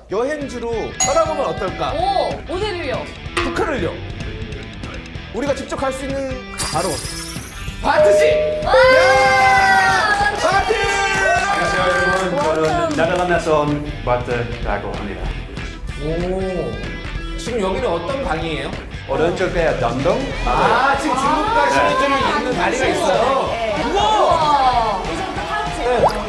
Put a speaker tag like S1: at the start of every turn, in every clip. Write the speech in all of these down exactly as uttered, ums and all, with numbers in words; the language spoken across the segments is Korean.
S1: 여행지로 떠나보면 어떨까?
S2: 오, 어디를요?
S1: 북한을요. 우리가 직접 갈 수 있는 바로 바트지.
S2: 와!
S1: 바트.
S3: 안녕하세요 여러분. 저는 네덜란드에서 온 바트라고 합니다.
S1: 오. 지금 여기는 어떤 방이에요?
S3: 오른쪽에 덤동.
S1: 아, 지금 중국과 시민들이 있는 다리가 있어요. 우와.
S2: 우와.
S4: 이제부터 파우치.
S1: 네.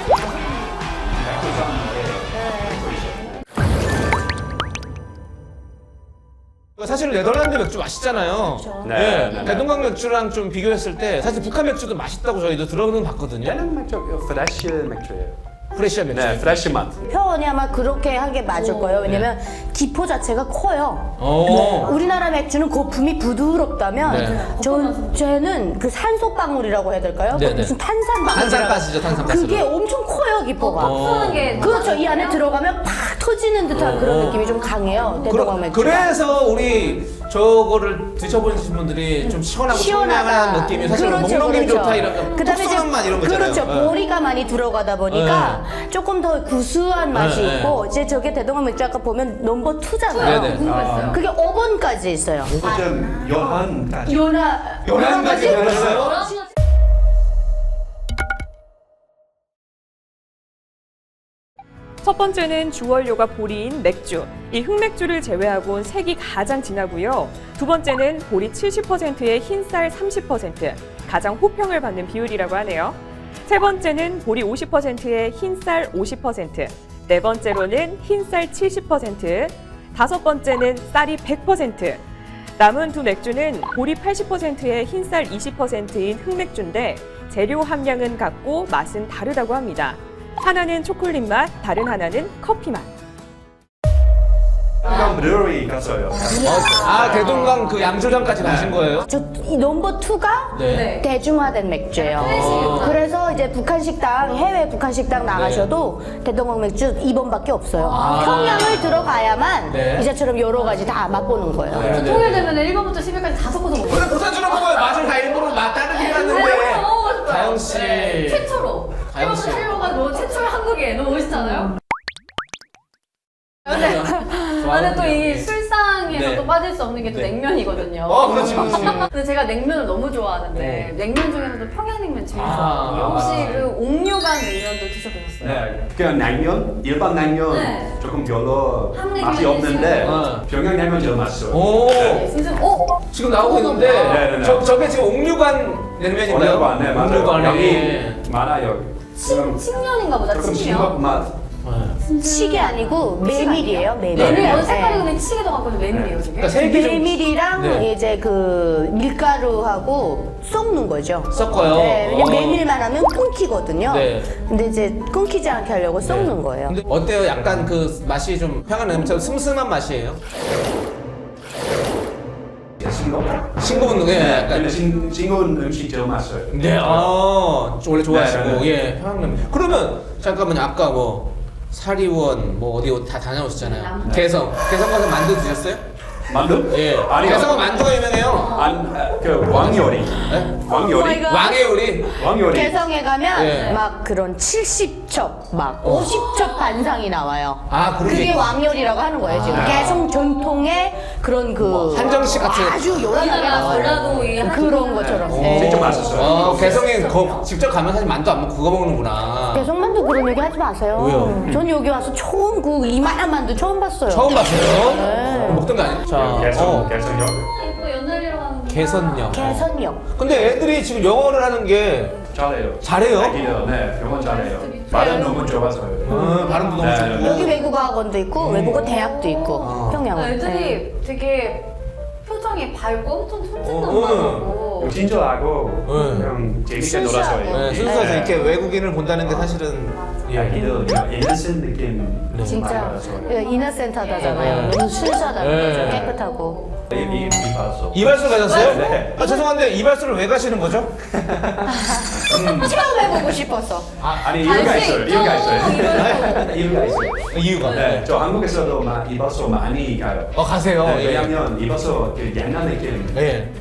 S1: 사실 네덜란드 맥주 맛있잖아요.
S3: 네,
S1: 네,
S3: 네, 네.
S1: 대동강 맥주랑 좀 비교했을 때 사실 북한 맥주도 맛있다고 저희도 들어는 봤거든요.
S3: 얘는 맥주 프레쉬 맥주예요.
S1: 프레시한 맥주.
S3: 네, 프레쉬 맛.
S4: 표현이 아마 그렇게 한 게 맞을 거예요. 왜냐면 기포 자체가 커요.
S1: 오.
S4: 우리나라 맥주는 거품이 부드럽다면
S1: 네.
S4: 저 쟤는 그 산소방울이라고 해야 될까요?
S1: 네, 네.
S4: 무슨 탄산방울.
S1: 탄산가스죠, 탄산가스.
S4: 그게 엄청 커요, 기포가.
S1: 어.
S2: 게
S4: 그렇죠. 이 안에 들어가면 팍 터지는 듯한 그런 느낌이 좀 강해요. 대동강
S1: 그러,
S4: 맥주.
S1: 그래서 우리 저거를 드셔보신 분들이 좀 시원하고 청량한 느낌이 사실 목넘김이 좋다 이런 거,
S4: 그다음에 이제
S1: 톡쏘는 맛 이런 거잖아요.
S4: 그렇죠.
S1: 네.
S4: 보리가 많이 들어가다 보니까 조금 더 구수한 맛이
S1: 네,
S4: 있고 이제 저게 대동강 맥주 아까 보면 넘버 투잖아요.
S1: 네, 네.
S2: 궁금했어요.
S4: 그게 오 번까지 있어요.
S3: 좀 연한까지.
S4: 요나
S1: 요란까지 들었어요?
S5: 첫 번째는 주원료가 보리인 맥주. 이 흑맥주를 제외하고는 색이 가장 진하고요. 두 번째는 보리 칠십 퍼센트에 흰쌀 삼십 퍼센트, 가장 호평을 받는 비율이라고 하네요. 세 번째는 보리 오십 퍼센트에 흰쌀 오십 퍼센트, 네 번째로는 흰쌀 칠십 퍼센트, 다섯 번째는 쌀이 백 퍼센트. 남은 두 맥주는 보리 팔십 퍼센트에 흰쌀 이십 퍼센트인 흑맥주인데 재료 함량은 같고 맛은 다르다고 합니다. 하나는 초콜릿 맛, 다른 하나는 커피 맛.
S3: 한강 브루어리 갔어요.
S1: 아, 대동강 그 양조장까지 가신 거예요?
S4: 저 이 넘버 투가
S1: 네.
S4: 대중화된 맥주예요. 그래서 이제 북한 식당, 해외 북한 식당 나가셔도 대동강 맥주 이 번밖에 없어요.
S1: 아.
S4: 평양을 들어가야만
S1: 네.
S4: 이제처럼 여러 가지 다 맛보는 거예요.
S1: 네.
S2: 통일되면 일 번부터 십 일까지 다 섞어서 먹어요.
S1: 근데 부산처럼 보면 맛을 다 일부러 맛 다르게 해놨는데. 가영 씨.
S2: 최초로.
S1: 가영 씨.
S2: 일 번부터 일 번까지 너무 최초로 한국에 너무 멋있잖아요. 근데 나는 또 이 술상에서
S1: 네.
S2: 또 빠질 수 없는 게 또
S1: 네.
S2: 냉면이거든요.
S1: 어, 그렇지, 그렇지.
S2: 근데 제가 냉면을 너무 좋아하는데
S1: 네.
S2: 냉면 중에서도 평양냉면 제일
S1: 아.
S2: 좋아하거든요. 혹시 그 옥류관 냉면도 드셔보셨어요?
S3: 네, 그 냉면, 일반 냉면
S2: 네.
S3: 조금 별로
S2: 한국
S3: 맛이
S2: 냉면
S3: 없는데
S1: 드시는
S3: 평양 냉면 제일 맛있어요.
S1: 오.
S3: 네.
S2: 진짜 어?
S1: 지금 나오고 있는데
S3: 네, 네, 네.
S1: 저, 저게 지금 옥류관 냉면인가요?
S3: 오늘반, 네, 맞아요.
S1: 옥류관이.
S3: 여기 많아요.
S2: 침, 칡면인가 보다.
S3: 조금
S2: 칡면.
S3: 싱겁 맛.
S4: 치게 아니고 메밀이에요, 메밀.
S2: 메밀.
S3: 네.
S2: 어, 색깔이 근데 치게도 갖고 메밀이에요, 저게.
S1: 그러니까 색이 좀
S4: 메밀이랑
S1: 네.
S4: 이제 그 밀가루하고 섞는 거죠.
S1: 섞어요.
S4: 네, 왜냐면
S1: 어.
S4: 메밀만 하면 끊기거든요.
S1: 네.
S4: 근데 이제 끊기지 않게 하려고 섞는 거예요.
S1: 근데 어때요? 약간 그 맛이 좀 평양 냉면처럼 슴슴한 맛이에요?
S3: 싱겁.
S1: 싱거운 게 약간
S3: 근데 싱- 싱거운 음식 제일 맛있어요.
S1: 네, 아, 원래 좋아하시고,
S3: 네, 네, 네.
S1: 예, 평양냉면. 그러면, 잠깐만요, 아까 뭐, 사리원, 뭐, 어디 다 다녀오셨잖아요. 개성. 개성 가서 만두 드셨어요?
S3: 만두?
S1: 예.
S3: 아니요.
S1: 개성은 만두가 유명해요.
S3: 안, 아, 그 왕요리.
S1: 네?
S3: 왕요리.
S1: 왕의 요리.
S3: 왕요리.
S4: 개성에 가면
S1: 예.
S4: 막 그런 칠십 첩, 막 오십 첩 반상이 나와요.
S1: 아, 그런 게
S4: 그게
S1: 있구나.
S4: 왕요리라고 하는 거예요, 지금.
S3: 아.
S4: 개성 전통의 그런 그.
S1: 한정식 같은.
S4: 아주 요란하게
S2: 우리나라
S4: 나와요.
S2: 전라도 이
S4: 그런 것처럼. 네.
S3: 진짜 맛있어요.
S1: 어, 개성에 거, 직접 가면 사실 만두 안 먹고 그거 먹는구나.
S4: 개성만두 그런 얘기 하지 마세요.
S1: 왜요?
S4: 전 여기 와서 처음 그 이만한 만두 처음 봤어요.
S1: 처음 봤어요?
S4: 네.
S1: 먹던 거 아니에요? 자,
S3: 개성,
S1: 어,
S3: 개성역.
S2: 이거 연날이라고 하는 게.
S1: 개선역.
S4: 개선역.
S1: 근데 애들이 지금 영어를 하는 게,
S3: 잘해요.
S1: 잘해요?
S3: 아기들, 네, 병원 잘해요. 발음 너무 좋아서요.
S1: 어, 발음도 너무
S3: 네,
S1: 좋고.
S3: 네.
S4: 여기 외국어 학원도 있고 외국어 대학도 있고
S1: 아.
S4: 평양은. 네.
S2: 애들이 되게 표정이 밝고 엄청
S1: 어,
S2: 촌진남하고
S3: 친절하고
S1: 네.
S3: 그냥 재밌게
S4: 순수하고.
S3: 놀아서요.
S1: 네, 순수해서 이렇게 외국인을 본다는 게 사실은, 예.
S3: 아기들 인센 느낌.
S1: 네.
S4: 진짜
S3: 많아요.
S4: 이너센트하다잖아요.
S1: 네.
S4: 너무 순수하다는
S1: 네.
S4: 거죠. 깨끗하고.
S3: 이, 이, 이 봤어.
S1: 이발소 가셨어요?
S3: 네.
S1: 아, 죄송한데 이발소를 왜 가시는 거죠?
S4: 처음 해보고 싶어서.
S3: 아니 이유가
S2: 갈수
S3: 있어요.
S2: 있죠,
S3: 이유가 있어요.
S2: 이발소.
S3: 이유가 있어요.
S1: 이유가.
S3: 네, 저 한국에서도 막 이발소 많이 가요.
S1: 어, 가세요.
S3: 네,
S1: 예.
S3: 왜냐면 이발소 그 옛날 느낌.
S1: 예.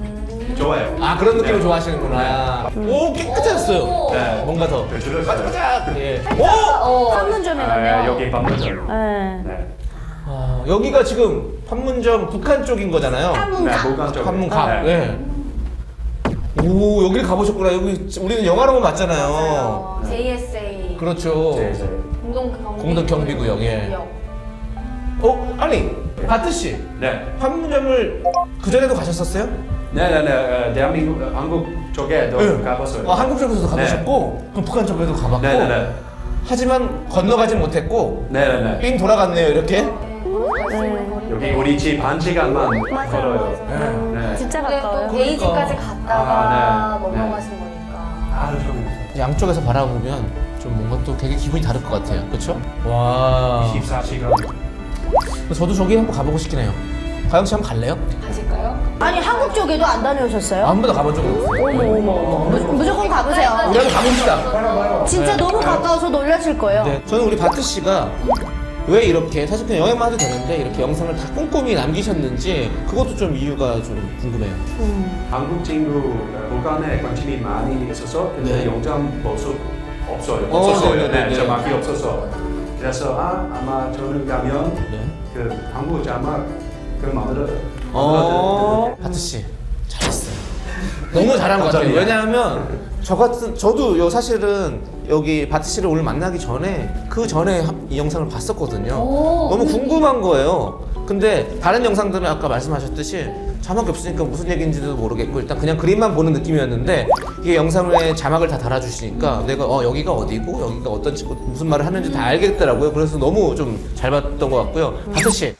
S3: 좋아요.
S1: 아 그런 느낌을 좋아하시는구나. 오 깨끗해졌어요.
S3: 네.
S1: 뭔가 더
S3: 네, 줄였어요.
S1: 반짝반짝. 예.
S2: 오! 어.
S4: 판문점에
S3: 아,
S4: 가면
S3: 여기 방문점.
S4: 네.
S3: 네.
S1: 아, 여기가 지금 판문점 북한 쪽인 거잖아요.
S3: 네,
S4: 판문가
S3: 목강 쪽.
S1: 판문갑.
S3: 네.
S1: 예. 오 여기를 가보셨구나. 여기 우리는 영화로만 봤잖아요.
S2: 맞아요. 제이에스에이
S1: 그렇죠.
S3: 네, 네.
S2: 공동 경비
S1: 공동 경비구역, 예. 어 아니 바트 씨
S3: 네.
S1: 판문점을 그 전에도 가셨었어요?
S3: 네, 네, 네. 어, 대한민국, 어, 한국 쪽에도
S1: 네.
S3: 가봤어요.
S1: 아 한국 쪽에서도
S3: 네.
S1: 가보셨고 그럼 북한 쪽에도 가봤고.
S3: 네, 네, 네.
S1: 하지만 건너가진 못했고
S3: 네, 네, 네.
S1: 삥 돌아갔네요 이렇게.
S3: 여기 우리 집 한 시간만
S4: 맞아요,
S3: 걸어요.
S4: 맞아요.
S3: 네.
S4: 진짜
S2: 근데
S4: 가까워요.
S2: 또 게이지까지 갔다가
S3: 아, 네.
S2: 넘어가신 거니까.
S3: 하루 종일.
S1: 양쪽에서 바라보면 좀 뭔가 또 되게 기분이 다를 것 같아요. 그렇죠? 와.
S3: 이십사 시간.
S1: 저도 저기 한번 가보고 싶긴 해요. 가영 씨 한번 갈래요?
S2: 가실까요?
S4: 아니 한국 쪽에도 안 다녀오셨어요?
S1: 한 번도 가본 적이 없어요.
S4: 어머 어머 어머 무, 무조건 가보세요.
S1: 우리 한번 가봅시다.
S4: 진짜
S1: 네.
S4: 너무 가까워서 놀라실 거예요.
S1: 네. 저는 우리 바트 씨가 왜 이렇게 사실 그냥 여행만 해도 되는데 이렇게 영상을 다 꼼꼼히 남기셨는지 그것도 좀 이유가 좀 궁금해요.
S3: 한국 친구 어, 북한에 관심이 많이 있어서 근데
S1: 네.
S3: 영장 볼 수 없어요.
S1: 어,
S3: 없었어요.
S1: 네, 네,
S3: 네,
S1: 네.
S3: 자막이 없어서. 그래서 아 아마 저는 가면
S1: 네.
S3: 그 한국 자막 그 만들어.
S1: 어. 바트 씨 잘했어요. 너무 잘한 것 같아요.
S3: 감사합니다.
S1: 왜냐하면 저 같은 저도 요 사실은 여기 바트 씨를 오늘 만나기 전에 그 전에 하- 이 영상을 봤었거든요.
S2: 오.
S1: 너무 궁금한 거예요. 근데 다른 영상들은 아까 말씀하셨듯이 자막이 없으니까 무슨 얘기인지도 모르겠고 일단 그냥 그림만 보는 느낌이었는데 이게 영상에 자막을 다 달아주시니까 내가 어 여기가 어디고 여기가 어떤 친구 무슨 말을 하는지 다 알겠더라고요. 그래서 너무 좀 잘 봤던 것 같고요. 바트 씨.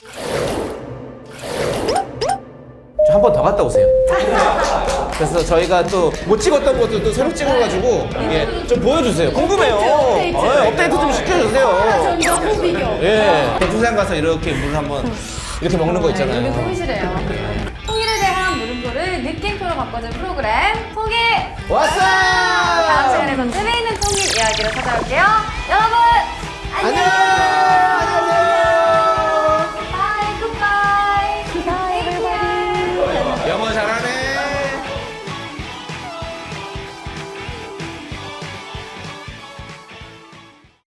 S1: 한 번 더 갔다 오세요. 그래서 저희가 또 못 찍었던 것도 또 새로 찍어가지고 예, 좀 보여주세요. 궁금해요.
S4: 업데이트, 업데이트.
S1: 어, 업데이트 좀 시켜주세요.
S4: 전자 후비교.
S1: 예, 백두산 가서 이렇게 물 한번 이렇게 먹는 거
S2: 네, 여기
S1: 있잖아요.
S2: 통일이래요. 통일에 대한 물음표를 느낌표로 바꿔준 프로그램 통일!
S1: 왔어!
S2: 다음 시간에 더 재미있는 통일 이야기로 찾아올게요. 여러분